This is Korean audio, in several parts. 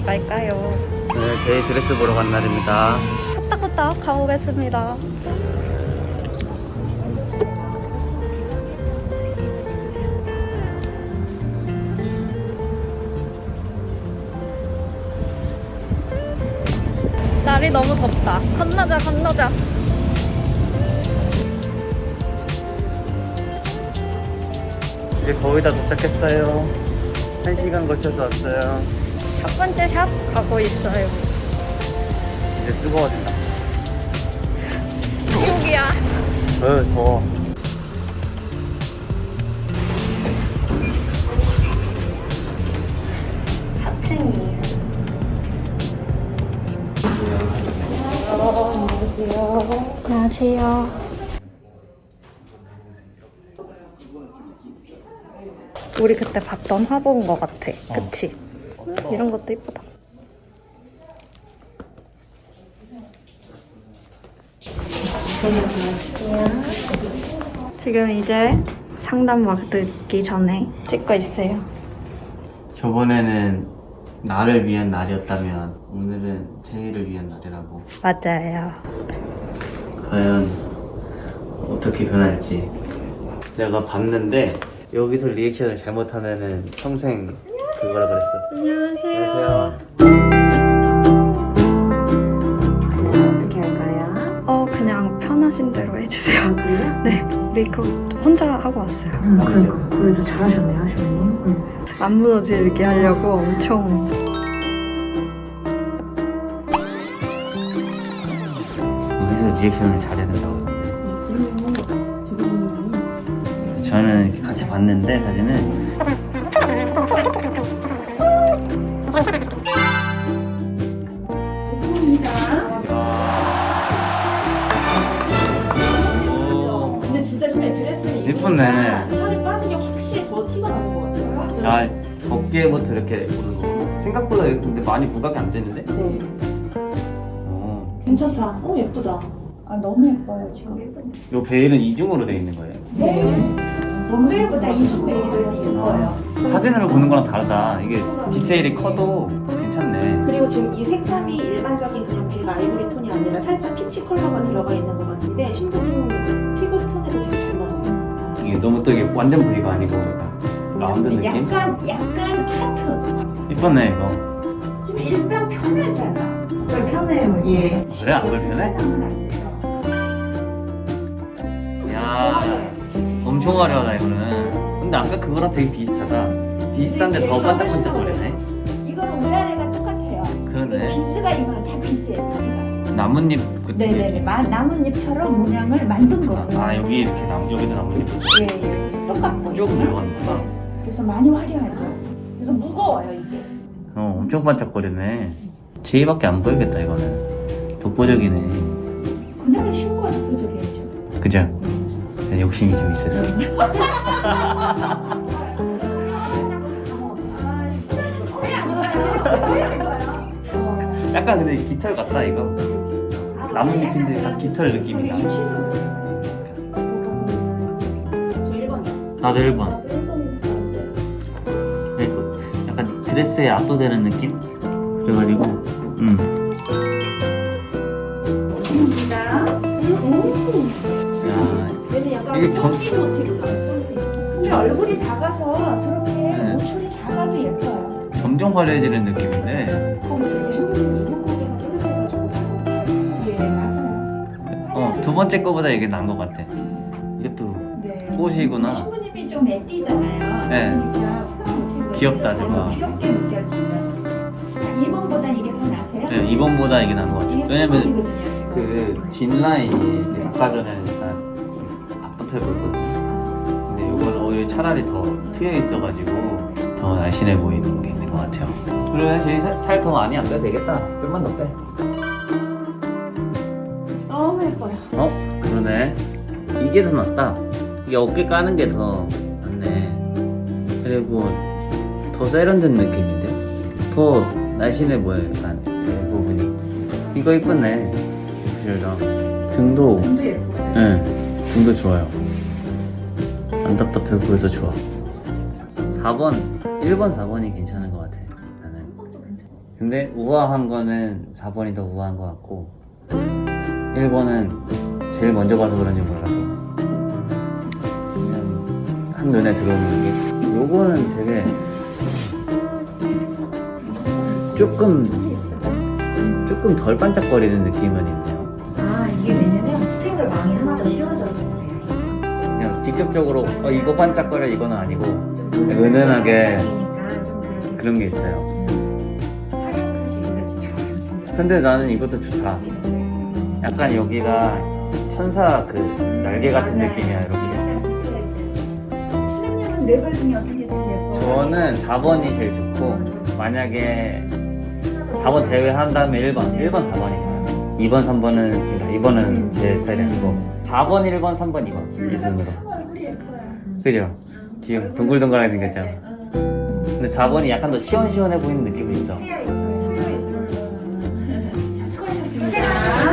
어디 갈까요? 네, 제이 드레스 보러 간 날입니다. 후딱후딱 가보겠습니다. 날이 너무 덥다. 건너자, 건너자. 이제 거의 다 도착했어요. 1시간 걸쳐서 왔어요. 첫 번째 샵 가고 있어요. 이제 뜨거워진다. 여기야. 더워. 안녕하세요. 우리 그때 봤던 화보인 것 같아. 그치? 이런 것도 이쁘다. 지금 이제 상담 받기 전에 찍고 있어요. 저번에는 나를 위한 날이었다면 오늘은 제이를 위한 날이라고. 맞아요. 과연 어떻게 변할지. 내가 봤는데 여기서 리액션을 잘못하면은 평생 그거라 그랬어. 안녕하세요. 어떻게 할까요? 그냥 편하신 대로 해주세요. 아, 그래요? 네, 메이크업 혼자 하고 왔어요. 그러니까 그래도 잘하셨네요, 하시면님. 안 무너지게 하려고 엄청. 여기서 리액션을 잘해야 된다고 하던데. 저는 이렇게 같이 봤는데 사진은 근데 진짜 근데 드레스는 예쁘네. 살이 빠진 게 확실히 더 티가 나는 것 같아요. 야 덮개부터 이렇게 오는 거. 생각보다 근데 많이 부각이 안 되는데? 네. 어. 괜찮다. 예쁘다. 아, 너무 예뻐요, 지금. 요 베일은 이중으로 돼 있는 거예요. 네. 원베일보다 이중 베일이 예뻐요. 사진으로 보는 거랑 다르다. 이게 디테일이 커도 괜찮네. 그리고 지금 이 색감이 일반적인 그냥 백 아이보리 톤이 아니라 살짝 피치 컬러가 들어가 있는 것 같은데 신부님 피부 톤에도 되게 잘 맞아요. 이게 너무 또 이게 완전 V가 아니고 약간 라운드 느낌? 약간 하트. 이쁘네 이거. 좀 일단 편하잖아. 편해요, 예. 그래 안 불편해? 야 엄청 화려하다 이거는. 근데 아까 그거랑 되게 비슷하다. 비슷한데 더 반짝반짝거리네. 이거는 위아래가 똑같아요. 그러네. 비스가 이거는 다 비스예요. 나뭇잎 그 네네네. 나뭇잎처럼 모양을 만든 거예요. 아 여기 이렇게 여기도 나뭇잎 예, 예. 똑같고. 쭉 들어가는구나. 그래서 많이 화려하죠. 그래서 무거워요, 이게. 엄청 반짝거리네. 제이밖에 안 보이겠다 이거는. 독보적이네. 그날은 신고가 대표적이었죠. 그죠? 욕심이 좀 있어서. 약간 근데 깃털 같다 이거. 나뭇잎인데 딱 깃털 느낌이 나. 저 1번이요. 나도 1번. 약간 드레스에 압도되는 느낌? 그래가지고 야 얘는 약간 이게 전- 펀치 모티브 나요. 근데 얼굴이 작아서 저렇게 네. 노출이 작아도 예뻐요. 점점 화려해지는 느낌인데 이렇게 신부님 이목 고개가 또렷해가지고. 예, 맞아요. 두 번째 거보다 이게 나은 것 같아. 이것도 네. 꽃이구나. 신부님이 좀 애띠잖아요. 네. 그러니까 그런 모티브가 귀엽다, 있어서 저거. 귀엽게 느껴지죠. 1번보다 이게 더 나세요? 네, 2번보다 이게 나은 것 같아. 이게 왜냐면 스포티거든요, 지금. 그 뒷라인이 아까 전에는 약간 좀 답답해 보였거든요. 근데 이건 오히려 차라리 더 트여 있어가지고 더 날씬해 보이는 게 있는 것 같아요. 그래, 제이 살 더 많이 안 빼도 되겠다. 좀만 더 빼. 너무 예뻐요. 그러네. 이게 더 낫다. 이게 어깨 까는 게 더 낫네. 그리고 더 세련된 느낌인데? 더 날씬해 보여, 약간. 이 부분이. 이거 이쁘네. 실랑 등도, 눈도 예뻐요. 네, 등도 좋아요. 안 답답해 보여서 좋아. 4번, 1번, 4번이 괜찮은 것 같아. 나는. 근데 우아한 거는 4번이 더 우아한 것 같고 1번은 제일 먼저 봐서 그런지 몰라도 그냥 한눈에 들어오는 게 요거는 되게 조금 덜 반짝거리는 느낌은 있네요. 아 이게 왜냐면 스팽글망이 하나 더 씌워져서 그래요. 그냥 직접적으로 이거 반짝거려 이거는 아니고 좀 은은하게 반짝이니까 좀 그렇게 그런 게 있어요. 활용 사실이가 진짜 근데 나는 이것도 좋다. 약간 여기가 천사 그 날개 같은 느낌이야 이렇게. 수련님은 네발 중에 어떤 게 제일 예뻐요? 저는 4번이 제일 좋고 만약에 4번 제외한 다음에 1번 4번이에요. 2번 3번은 2번은 제 스타일이 아니고 4번 1번 3번 2번 이 순으로. 얼굴이 예뻐요. 그죠? 귀여워. 동글동글하게 생겼죠. 근데 4번이 약간 더 시원시원해 보이는 느낌이 있어. 수고하셨습니다.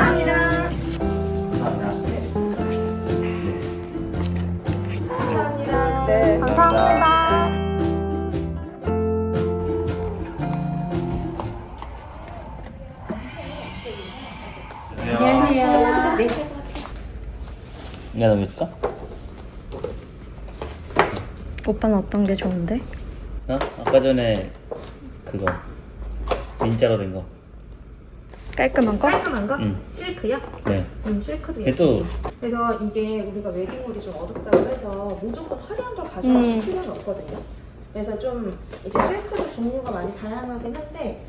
감사합니다. 네, 감사합니다. 안녕하세요. 네. 내가 넘길까? 오빠는 어떤 게 좋은데? 아까 전에 그거 민자로 된 거. 깔끔한 거? 깔끔한 거? 응. 실크요? 네. 실크도 얘 또 그래서 이게 우리가 웨딩홀이 좀 어둡다고 해서 무조건 화려한 걸 가져가실 필요는 없거든요. 그래서 좀 이제 실크도 종류가 많이 다양하긴 한데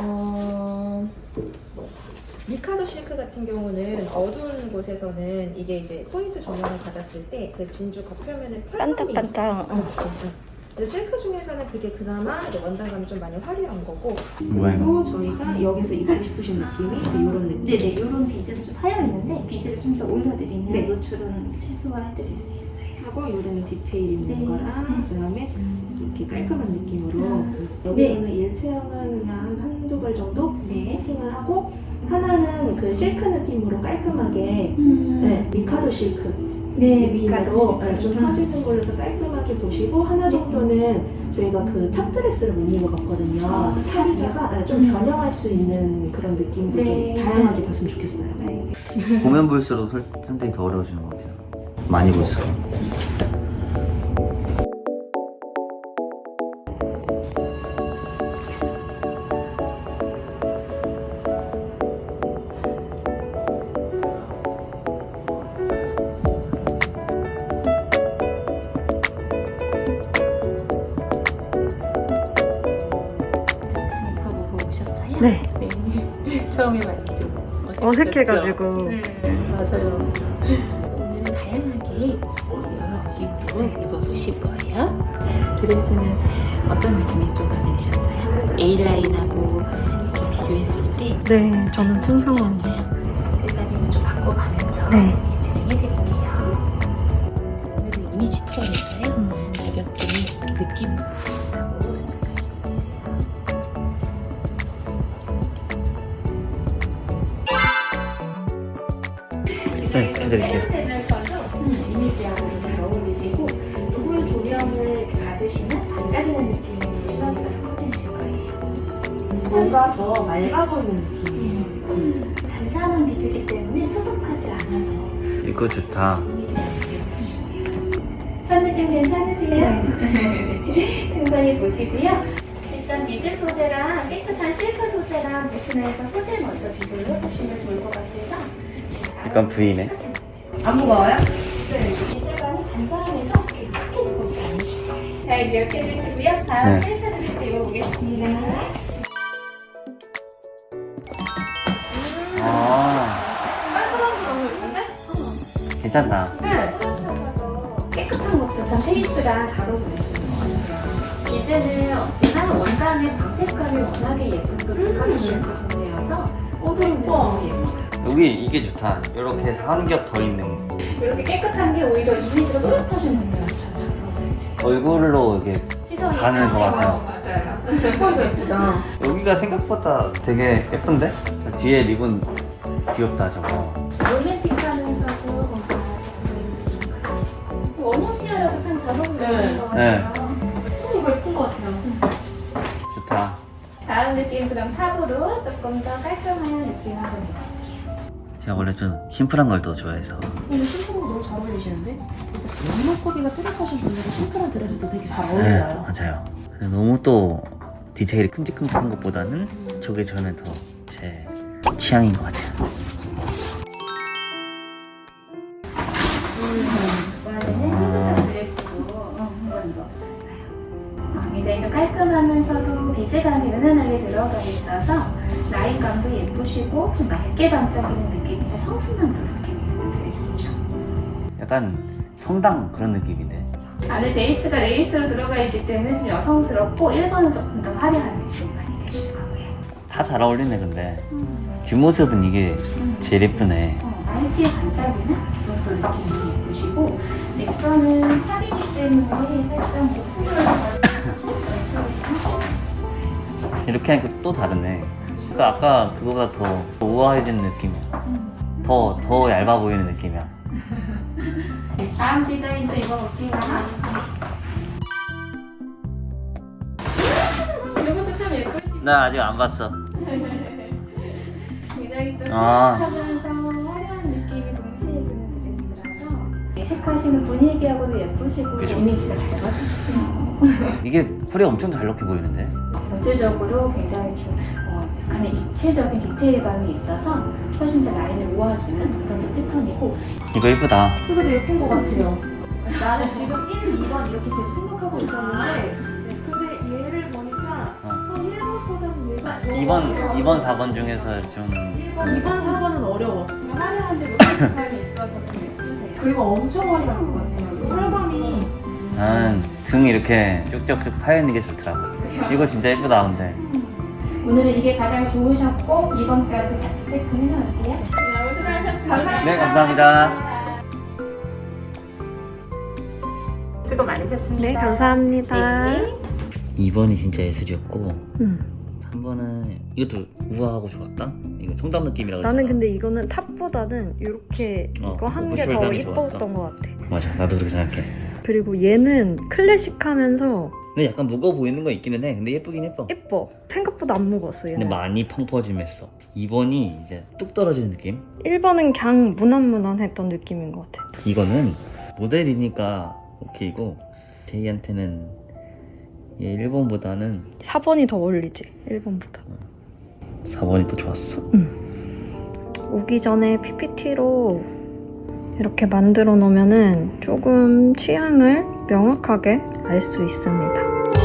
미카도 실크 같은 경우는 어두운 곳에서는 이게 이제 포인트 조명을 받았을 때 그 진주 겉표면에 펄감이 반짝반짝. 그렇지. 응. 그래서 실크 중에서는 그게 그나마 이제 원단감이 좀 많이 화려한 거고 뭐야 이거? 그리고 저희가 여기서 입고 싶으신 느낌이 이제 이런 느낌. 네네, 이런 비즈는 좀 하여 있는데 비즈를 좀 더 올려드리면 네. 노출은 최소화해드릴 수 있어요. 하고 이런 디테일 있는 네. 거랑 그다음에 이렇게 깔끔한 느낌으로 여기서는 일체형은 그냥 한두 벌 정도 네. 세팅을 하고 하나는 그 실크 느낌으로 깔끔하게 네, 미카도 실크 네, 느낌으로 미카도 네, 좀 퍼지는 걸로 해서 깔끔하게 보시고 하나 정도는 저희가 그 탑드레스를 못 입어봤거든요. 아, 그래서 탑에다가 네, 좀 변형할 수 있는 그런 느낌도 네. 좀 다양하게 봤으면 좋겠어요. 네. 보면 볼수록 선택이 더 어려워지는 것 같아요. 많이 볼수록. 드레스 입어보고 오셨어요? 네. 네. 처음에 많이 좀 어색해가지고. 맞아요. 오늘은 다양하게 여러 느낌으로 입어보실 거예요. 드레스는 어떤 느낌이 좀 마음에 드셨어요? A라인하고 이렇게 비교했을 때 네, 저는 풍성한 거. 색상을 좀 바꿔가면서 네. 진행해드릴게요. 오늘은 이미지 투어에서요. 가볍게 느낌 하고 가시면 되세요. 네, 해드릴게요. 되면서도 이미지하고도 잘 어울리시고 두분 조명을 이렇게 받으시면 반짝이는 느낌으로 시너지가 커지실 거예요. 뭔가 더 맑아 보이는 느낌이에요. 잔잔한 빛이기 때문에 푸석하지 않아서 이거 좋다. 이미지하게 보시고요. 첫 느낌 괜찮으세요? 충분히 보시고요. 일단 미술 소재랑 깨끗한 실크 소재랑 무신에서 소재 먼저 비교를 해보시면 좋을 것 같아서 약간 V네. 안 무거워요? 네, 비주감이 잔잔해서 그렇게 크게 무겁지 않으실 거예요. 잘 기억해 주시고요. 다음 네. 실크 드레스 입어보겠습니다. 아, 깔끔한 게 너무 예쁜데? 괜찮다. 깨끗한 것도 참 페이스랑 잘 어울리시는 것 같아요. 비즈는 없지만 원단의 광택감이 워낙에 예쁜 또 빛깔이 있는 소재여서 어두운 데서 예뻐요. 여기 이게 좋다. 이렇게 해서 한 겹 더 있는 거. 이렇게 깨끗한 게 오히려 이미지가 또렷하신 분들은 참잘 어울리세요. 얼굴로 이게 시선이 가는 것 같아요. 맞아요. 이거 예쁘다. 여기가 생각보다 되게 예쁜데? 뒤에 리본 귀엽다 저거. 로맨틱하면서도 뭔가 잘 어울리시는 것 같아요. 원형 티아라도 참 잘 어울리시는 것 네. 같아요. 이거 예쁜 것 같아요. 좋다. 다음 느낌 그럼 탑으로 조금 더 깔끔한 느낌을 합니다. 제가 원래 좀 심플한 걸 더 좋아해서. 오늘 심플한 거 너무 잘 어울리시는데? 이목구비가 뚜렷하신 분들이 심플한 드레스도 되게 잘 어울려요. 맞아요. 너무 또 디테일이 큼직큼직한 것보다는 저게 저는 더 제 취향인 것 같아요. 이번에는 핑크색 드레스도 한번 입어보셨어요. 굉장히 좀 깔끔하면서도 비즈감이 은은하게 들어가 있어서 라인감도 예쁘시고 좀 맑게 반짝이는 느낌이라 성수남도 느낌이 있는 드레스죠. 약간 성당 그런 느낌인데. 안에 베이스가 레이스로 들어가 있기 때문에 좀 여성스럽고 1번은 조금 더 화려한 느낌 많이 드실 거고요. 다 잘 어울리네 근데. 뒷모습은 이게 제일 예쁘네. 맑게 반짝이는 그런 또 느낌이 예쁘시고 넥선은 탑이기 때문에 살짝 오픈을 이렇게 하니까 또 다르네. 그러니까 아까 그거가 더 우아해진 느낌이야. 더 얇아 보이는 느낌이야. 다음 디자인도 입어볼게요. 이것도 참 예쁘시고 나 아직 안 봤어. 굉장히 또 아. 클래식하면서 화려한 느낌이 동시에 드는 드레스라서 예식하시는 분위기하고도 예쁘시고 그죠? 이미지가 잘 맞으시고요. 이게 허리 엄청 잘록해 보이는데. 전체적으로 굉장히 좀 약간의 입체적인 디테일감이 있어서 훨씬 더 라인을 모아주는 그런 패턴이고 이거 예쁘다. 이거 되게 예쁜 것 같아요. 나는 지금 1, 2번 이렇게 계속 생각하고 있었는데 근데 얘를 보니까 한 1번보다는 얘가 더 2번, 4번 중에서 좀 2번, 4번은 어려워. 화려한데 노출감이 있어서 좀 예쁘세요. 그리고 엄청 화려한 것 같아요. 혈감이 나는 등 이렇게 쭉쭉쭉 파여있는 게 좋더라고. 이거 진짜 예쁘다 근데. 오늘은 이게 가장 좋으셨고 2번까지 같이 체크를 해놓을게요. 너무 수고하셨습니다. 네, 감사합니다. 수고 많으셨습니다. 네, 감사합니다. 2번이 진짜 예술이었고 음. 3번은 이것도 우아하고 좋았다. 이거 성당 느낌이라고 나는 했잖아. 근데 이거는 탑보다는 이렇게 이거 한 게 더 숄더감이 이뻤던 좋았어. 것 같아. 맞아, 나도 그렇게 생각해. 그리고 얘는 클래식하면서 근데 약간 무거워 보이는 거 있기는 해. 근데 예쁘긴 예뻐. 예뻐. 생각보다 안 무거웠어 근데 얘는. 많이 펑퍼짐했어. 2번이 이제 뚝 떨어지는 느낌. 1번은 그냥 무난무난했던 느낌인 것 같아. 이거는 모델이니까 오케이고 제이한테는 얘 1번보다는 4번이 더 어울리지 1번보다. 4번이 더 좋았어. 오기 전에 PPT로 이렇게 만들어 놓으면은 조금 취향을 명확하게 알 수 있습니다.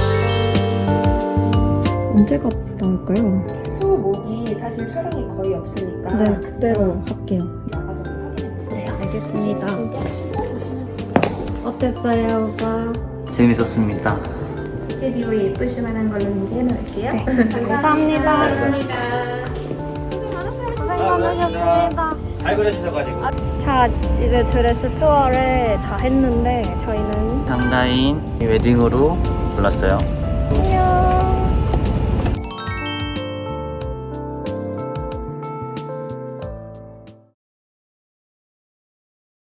언제 갔다 올까요? 수목이 사실 촬영이 거의 없으니까 네, 그대로 할게요. 나가서 확인해볼게요. 네, 알겠습니다. 어땠어요, 오빠? 재밌었습니다. 스튜디오에 예쁘실 만한 걸로 준비해 놓을게요. 네, 감사합니다. 감사합니다. 고생 많으셨습니다. 잘 그려주셔가지고. 자, 이제 드레스 투어를 다 했는데 저희는 상다인 웨딩으로 골랐어요. 안녕.